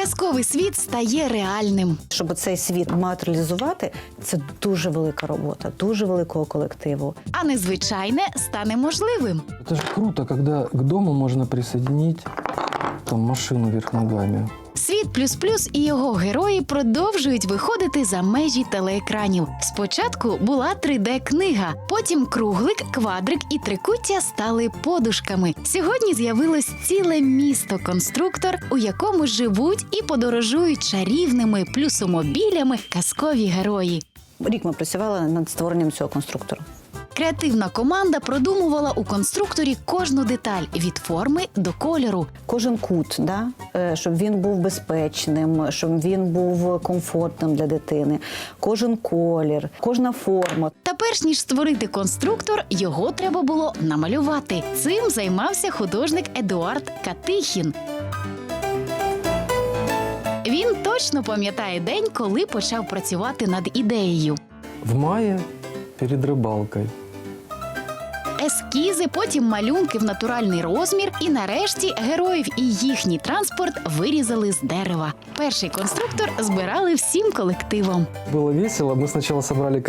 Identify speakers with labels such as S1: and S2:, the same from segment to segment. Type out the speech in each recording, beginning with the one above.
S1: Казковий світ стає реальним.
S2: Щоб цей світ матеріалізувати, це дуже велика робота, дуже великого колективу.
S1: А незвичайне стане можливим.
S3: Это же круто, когда к дому можно присоединить там машину вверх ногами.
S1: Світ плюс-плюс і його герої продовжують виходити за межі телеекранів. Спочатку була 3D-книга, потім круглик, квадрик і трикуття стали подушками. Сьогодні з'явилось ціле місто-конструктор, у якому живуть і подорожують чарівними плюсомобілями казкові герої.
S2: Рік ми працювали над створенням цього конструктору.
S1: Креативна команда продумувала у конструкторі кожну деталь – від форми до кольору.
S2: Кожен кут, щоб він був безпечним, щоб він був комфортним для дитини. Кожен колір, кожна форма.
S1: Та перш ніж створити конструктор, його треба було намалювати. Цим займався художник Едуард Катихін. Він точно пам'ятає день, коли почав працювати над ідеєю.
S3: В мае перед рыбалкой.
S1: Ескізи, потім малюнки в натуральний розмір і нарешті героїв і їхній транспорт вирізали з дерева. Перший конструктор збирали всім колективом.
S3: Было весело. Мы сначала собрали,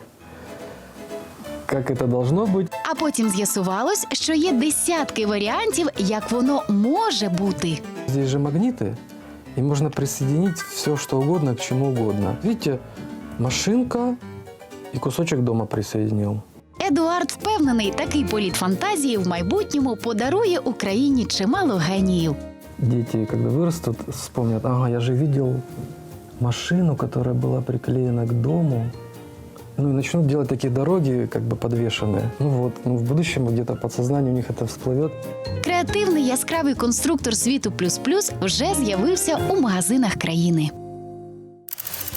S3: как это должно быть.
S1: А потім з'ясувалось, що є десятки варіантів, як воно може бути.
S3: Здесь же магниты, и можно присоединить все, что угодно, к чему угодно. Видите, машинка и кусочек дома присоединил.
S1: Едуард впевнений, такий політ фантазії в майбутньому подарує Україні чимало геніїв.
S3: Дети, когда вырастут, вспомнят, ага, я же видел машину, которая была приклеена к дому. Ну и начнут делать такие дороги, как бы подвешенные. В будущем где-то подсознание у них это всплывет.
S1: Креативний яскравий конструктор світу плюс-плюс вже з'явився у магазинах країни.